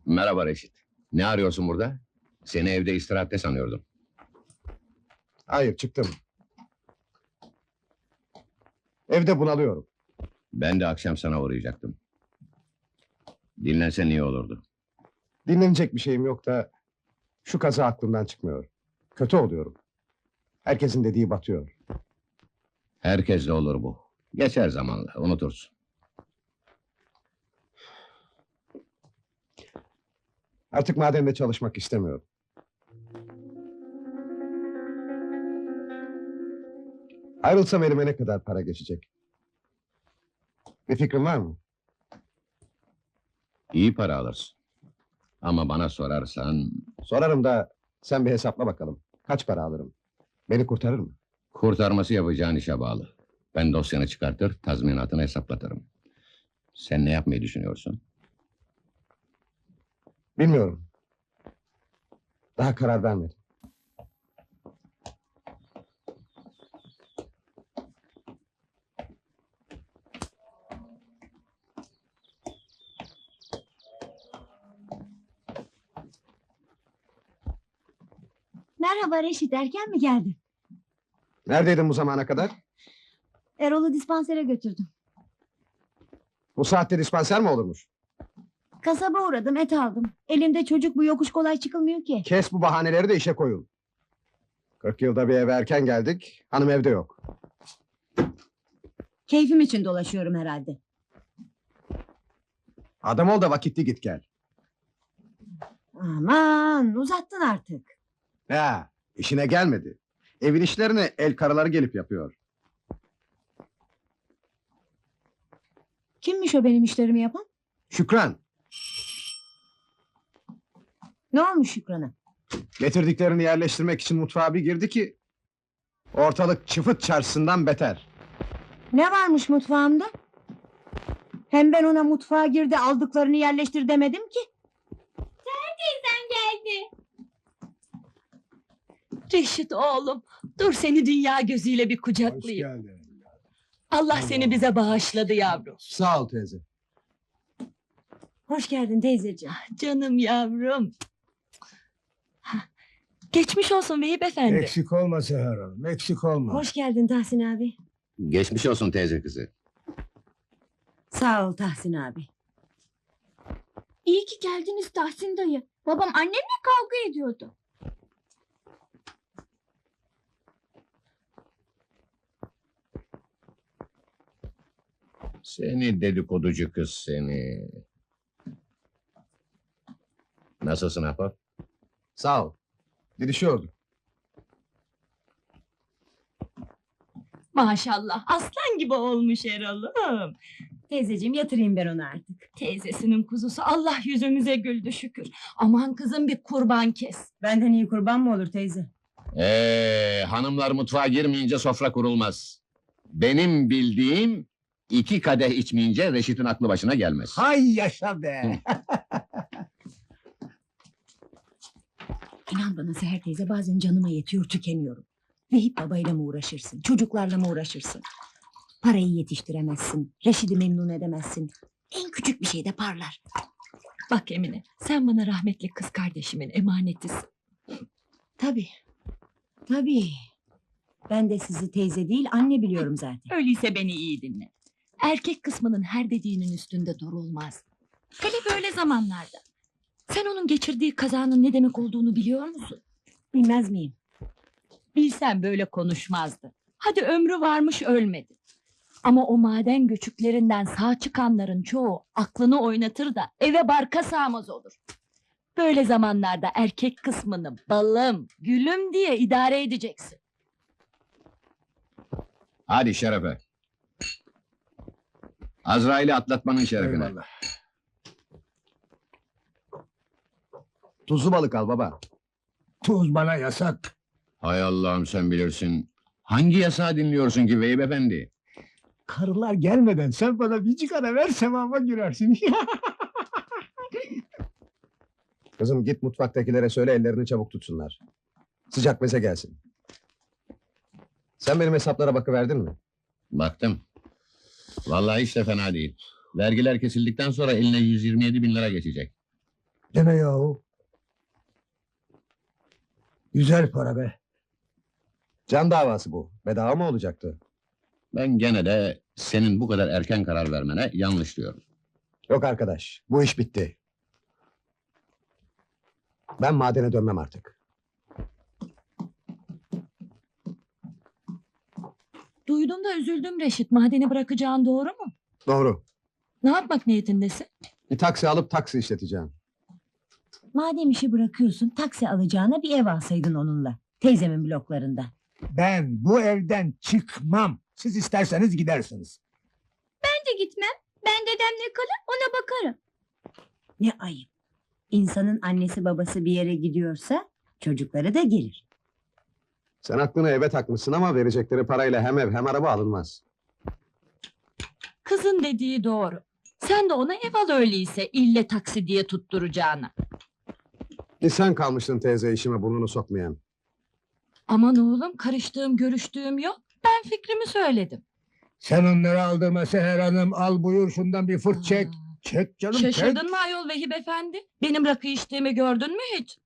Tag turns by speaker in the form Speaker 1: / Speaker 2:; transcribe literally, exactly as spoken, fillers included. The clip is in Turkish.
Speaker 1: Merhaba Reşit. Ne arıyorsun burada? Seni evde istirahatte sanıyordum.
Speaker 2: Hayır, çıktım. Evde bunalıyorum.
Speaker 1: Ben de akşam sana uğrayacaktım. Dinlensen iyi olurdu.
Speaker 2: Dinlenecek bir şeyim yok da... ...şu kaza aklımdan çıkmıyor. Kötü oluyorum. Herkesin dediği batıyor.
Speaker 1: Herkesle olur bu. Geçer zamanla, unutursun.
Speaker 2: Artık madende çalışmak istemiyorum. Ayrılsam elime ne kadar para geçecek? Bir fikrin var mı?
Speaker 1: İyi para alırsın. Ama bana sorarsan...
Speaker 2: Sorarım da sen bir hesapla bakalım. Kaç para alırım? Beni kurtarır mı?
Speaker 1: Kurtarması yapacağın işe bağlı. Ben dosyanı çıkartır, tazminatını hesaplatırım. Sen ne yapmayı düşünüyorsun?
Speaker 2: Bilmiyorum. Daha karar vermedim.
Speaker 3: Merhaba Reşit, erken mi geldin?
Speaker 2: Neredeydin bu zamana kadar?
Speaker 3: Erol'u dispansere götürdüm.
Speaker 2: Bu saatte dispanser mi olurmuş?
Speaker 3: Kasaba uğradım, et aldım. Elimde çocuk, bu yokuş kolay çıkılmıyor ki.
Speaker 2: Kes bu bahaneleri de işe koyun. Kırk yılda bir eve erken geldik, hanım evde yok.
Speaker 3: Keyfim için dolaşıyorum herhalde.
Speaker 2: Adam ol da vakitli git gel.
Speaker 3: Aman, uzattın artık.
Speaker 2: Ya, işine gelmedi. Evin işlerini el karıları gelip yapıyor.
Speaker 3: Kimmiş o benim işlerimi yapan?
Speaker 2: Şükran,
Speaker 3: Ne olmuş Şükran'a?
Speaker 2: getirdiklerini yerleştirmek için mutfağa bir girdi ki... ...ortalık çıfıt çarşısından beter.
Speaker 3: Ne varmış mutfağımda? Hem ben ona mutfağa girdi, aldıklarını yerleştir demedim ki.
Speaker 4: Teyzen geldi. Reşit oğlum, dur seni dünya gözüyle bir kucaklayayım. Allah seni bize bağışladı yavrum.
Speaker 2: Sağ ol teyze.
Speaker 3: Hoş geldin teyzeciğim.
Speaker 4: Canım yavrum. Hah, geçmiş olsun Vehip efendi.
Speaker 5: Eksik olma Seher Hanım, eksik olma.
Speaker 3: Hoş geldin Tahsin abi.
Speaker 1: Geçmiş olsun teyze kızı.
Speaker 3: Sağ ol Tahsin abi.
Speaker 4: İyi ki geldiniz Tahsin dayı. Babam annemle kavga ediyordu.
Speaker 1: Seni dedikoducu kız seni. Nasılsın Ahbap?
Speaker 2: Sağ ol. Didişiyorduk.
Speaker 4: Maşallah, aslan gibi olmuş Erol'um.
Speaker 3: Teyzeciğim yatırayım ben onu artık.
Speaker 4: Teyzesinin kuzusu, Allah yüzümüze güldü şükür. Aman kızım bir kurban kes.
Speaker 3: Benden iyi kurban mı olur teyze?
Speaker 1: Ee, hanımlar mutfağa girmeyince sofra kurulmaz. Benim bildiğim... iki kadeh içmeyince Reşit'in aklı başına gelmez.
Speaker 5: Hay yaşa be!
Speaker 3: İnan bana Seher teyze, bazen canıma yetiyor, tükeniyorum. Vehip babayla mı uğraşırsın, çocuklarla mı uğraşırsın? Parayı yetiştiremezsin, Reşit'i memnun edemezsin. En küçük bir şeyde parlar.
Speaker 4: Bak Emine, sen bana rahmetli kız kardeşimin emanetisin.
Speaker 3: Tabii, tabii. Ben de sizi teyze değil, anne biliyorum zaten.
Speaker 4: Öyleyse beni iyi dinle. Erkek kısmının her dediğinin üstünde durulmaz. Hele böyle zamanlarda. Sen onun geçirdiği kazanın ne demek olduğunu biliyor musun?
Speaker 3: Bilmez miyim?
Speaker 4: Bilsen böyle konuşmazdı. Hadi ömrü varmış ölmedi. Ama o maden göçüklerinden sağ çıkanların çoğu aklını oynatır da eve barka sığmaz olur. Böyle zamanlarda erkek kısmını balım, gülüm diye idare edeceksin.
Speaker 1: Hadi şerefe. Azrail'i atlatmanın şerefine.
Speaker 5: Eyvallah.
Speaker 2: Tuzlu balık al baba.
Speaker 5: Tuz bana yasak.
Speaker 1: Hay Allah'ım sen bilirsin. Hangi yasağı dinliyorsun ki Vehip efendi?
Speaker 5: Karılar gelmeden sen bana bir cigara ver, sevaba girersin.
Speaker 2: Kızım git mutfaktakilere söyle ellerini çabuk tutsunlar. Sıcak meze gelsin. Sen benim hesaplara bakıverdin mi?
Speaker 1: Baktım. Vallahi hiç de fena değil. Vergiler kesildikten sonra eline yüz yirmi yedi bin lira geçecek.
Speaker 5: Deme yahu. Güzel para be.
Speaker 2: Can davası bu. Bedava mı olacaktı?
Speaker 1: Ben gene de senin bu kadar erken karar vermene yanlış diyorum.
Speaker 2: Yok arkadaş, bu iş bitti. Ben madene dönmem artık.
Speaker 4: Duydum da üzüldüm Reşit. Madeni bırakacağın doğru mu?
Speaker 2: Doğru.
Speaker 4: Ne yapmak niyetindesin?
Speaker 2: Bir taksi alıp taksi işleteceğim.
Speaker 3: Madem işi bırakıyorsun, taksi alacağına bir ev alsaydın onunla. Teyzemin bloklarında.
Speaker 5: Ben bu evden çıkmam. Siz isterseniz gidersiniz.
Speaker 6: de gitmem. Ben dedemle kalır ona bakarım.
Speaker 3: Ne ayıp. İnsanın annesi babası bir yere gidiyorsa çocukları da gelir.
Speaker 2: Sen aklını eve takmışsın ama verecekleri parayla hem ev hem araba alınmaz.
Speaker 4: Kızın dediği doğru. Sen de ona ev al öyleyse ille taksi diye tutturacağına.
Speaker 2: Bir sen kalmıştın teyze işime burnunu sokmayan.
Speaker 4: Aman oğlum karıştığım görüştüğüm yok. Ben fikrimi söyledim.
Speaker 5: Sen onları aldırma Seher Hanım. Al buyur şundan bir fırt çek. Çek canım çek.
Speaker 4: Şaşırdın mı ayol Vehip efendi? Benim rakı içtiğimi gördün mü hiç?